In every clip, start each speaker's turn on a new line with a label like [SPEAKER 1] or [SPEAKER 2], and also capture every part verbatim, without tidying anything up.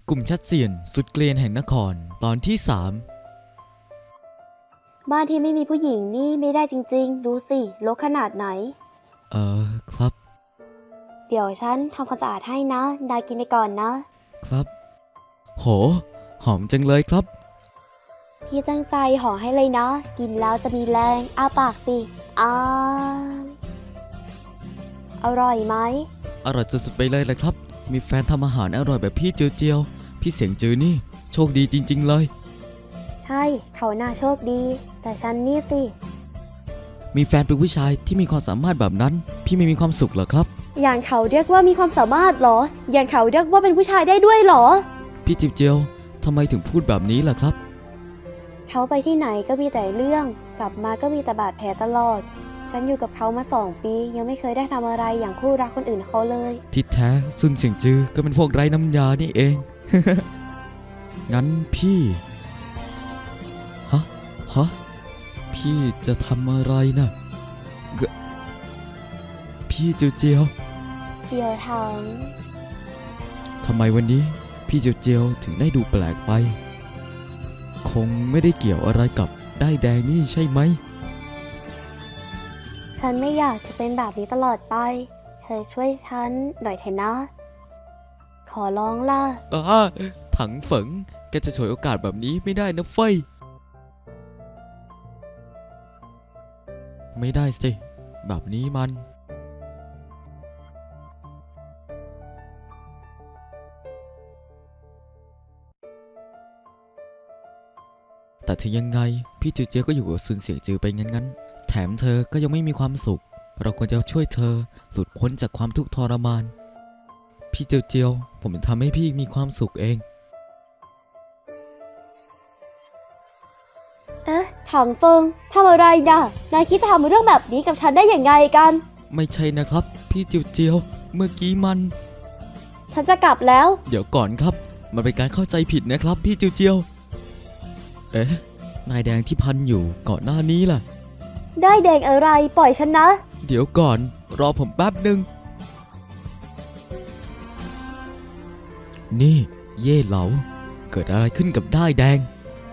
[SPEAKER 1] กลุ่มชัดเซียนสุดเกลียนแห่งนครตอนที่สาม
[SPEAKER 2] บ้านที่ไม่มีผู้หญิงนี่ไม่ได้จริงๆดูสิรกขนาดไหน
[SPEAKER 1] เออครับ
[SPEAKER 2] เดี๋ยวฉันทำความสะอาดให้นะนายกินไปก่อนนะครับ
[SPEAKER 1] โหหอมจังเลยครับ
[SPEAKER 2] พี่ตั้งใจห่อให้เลยนะกินแล้วจะมีแรงอ้าปากสิอ้าอร่อยไหม
[SPEAKER 1] อร่อยสุดๆไปเลยแหละครับมีแฟนทำอาหารอร่อยแบบพี่เจียวเจียวพี่เสียงจือนี่โชคดีจริงๆเลย
[SPEAKER 2] ใช่เขาน่าโชคดีแต่ฉันนี่สิ
[SPEAKER 1] มีแฟนเป็นผู้ชายที่มีความสามารถแบบนั้นพี่ไม่มีความสุขเหรอครับ
[SPEAKER 2] อย่างเขาเรียกว่ามีความสามารถเหรออย่างเขาเรียกว่าเป็นผู้ชายได้ด้วยเหรอ
[SPEAKER 1] พี่เจียวเจียวทำไมถึงพูดแบบนี้ล่ะครับ
[SPEAKER 2] เขาไปที่ไหนก็มีแต่เรื่องกลับมาก็มีแต่บาดแผลตลอดฉันอยู่กับเขามาสองปียังไม่เคยได้ทำอะไรอย่างคู่รักคนอื่นเขาเลย
[SPEAKER 1] ที่แท้ซุนเสียงจือก็เป็นพวกไร้น้ำยานี่เอง งั้นพี่ฮะฮะพี่จะทำอะไรนะกพี่เจียวเจียว
[SPEAKER 2] เสี่ยวถัง
[SPEAKER 1] ทำไมวันนี้พี่เจียวเจียวถึงได้ดูแปลกไปคงไม่ได้เกี่ยวอะไรกับได้แดงนี่ใช่ไหม
[SPEAKER 2] ฉันไม่อยากจะเป็นแบบนี้ตลอดไปเธอช่วยฉันหน่อยเถอะนะขอร้องล่ะ
[SPEAKER 1] อ่าถังเฝิงแกจะฉวยโอกาสแบบนี้ไม่ได้นะเฟ้ยไม่ได้สิแบบนี้มันแต่ถึงยังไงพี่จือเจียวก็อยู่กับซุนเสียงจือไปงั้นๆแถมเธอก็ยังไม่มีความสุขเราควรจะช่วยเธอหลุดพ้นจากความทุกข์ทรมานพี่เจียวเจียวผมจะทำให้พี่มีความสุขเอง
[SPEAKER 2] เอ๊ะถังเฟิงทำอะไรนะนายคิดทำเรื่องแบบนี้กับฉันได้อย่างไงกัน
[SPEAKER 1] ไม่ใช่นะครับพี่เจียวเจียวเมื่อกี้มัน
[SPEAKER 2] ฉันจะกลับแล้ว
[SPEAKER 1] เดี๋ยวก่อนครับมันเป็นการเข้าใจผิดนะครับพี่เจียวเจียวเอ๊ะนายแดงที่พันอยู่ก่อนหน้านี้ล่ะ
[SPEAKER 2] ได้แดงอะไรปล่อยฉันนะ
[SPEAKER 1] เดี๋ยวก่อนรอผมแป๊บหนึ่งนี่เย่เหลาเกิดอะไรขึ้นกับได้แดง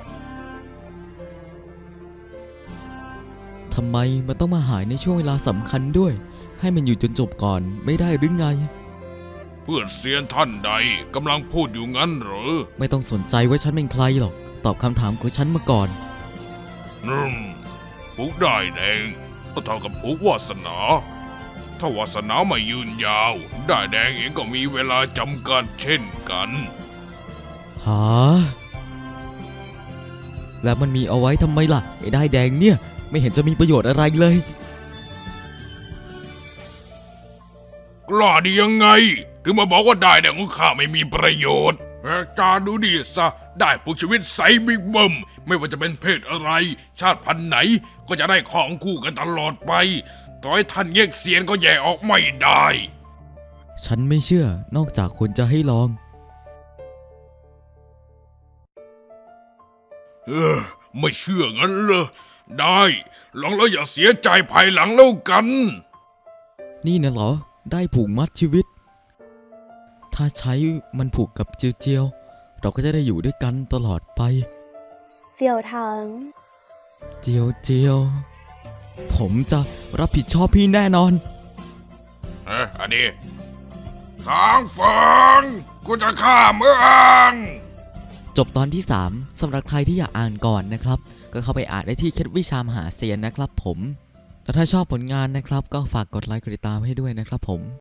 [SPEAKER 1] ทำไมมันต้องมาหายในช่วงเวลาสำคัญด้วยให้มันอยู่จนจบก่อนไม่ได้หรือไง
[SPEAKER 3] เพื่อนเซียนท่านใดกำลังพูดอยู่งั้นเหรอ
[SPEAKER 1] ไม่ต้องสนใจว่าฉันเป็นใครหรอกตอบคำถามของฉันมาก่อน
[SPEAKER 3] อืมผูกได้แดงก็เท่ากับผูกวาสนาถ้าวาสนาไม่ยืนยาวได้แดงเองก็มีเวลาจำกัดเช่นกัน
[SPEAKER 1] หาแล้วมันมีเอาไว้ทำไมล่ะไอ้ได้แดงเนี่ยไม่เห็นจะมีประโยชน์อะไรเลย
[SPEAKER 3] กล้าดียังไงถึงมาบอกว่าได้แดงของข้าไม่มีประโยชน์แหกตาดูดิซะได้ผู้ชีวิตใสบิ๊กเบิ้มไม่ว่าจะเป็นเพศอะไรชาติพันธุ์ไหนก็จะได้ของคู่กันตลอดไปต่อให้ท่านแยกเสียนก็แยกออกไม่ได้
[SPEAKER 1] ฉันไม่เชื่อนอกจากคนจะให้ลอง
[SPEAKER 3] เออไม่เชื่องั้นเหรอได้ลองแล้วอย่าเสียใจภายหลังแล้วกัน
[SPEAKER 1] นี่นะเหรอได้ผูกมัดชีวิตถ้าใช้มันผูกกับเจียวเจียวเราก็จะได้อยู่ด้วยกันตลอดไป
[SPEAKER 2] เสี่ยวถัง
[SPEAKER 1] เจียวเจียวผมจะรับผิดชอบพี่แน่นอน
[SPEAKER 3] เอ๊ะอันนี้ทางฝังกูจะฆ่ามึง
[SPEAKER 1] จบตอนที่สามสำหรับใครที่อยากอ่านก่อนนะครับก็เข้าไปอ่านได้ที่เคล็ดวิชามหาเซียนนะครับผมและถ้าชอบผลงานนะครับก็ฝากกดไลค์กดติดตามให้ด้วยนะครับผม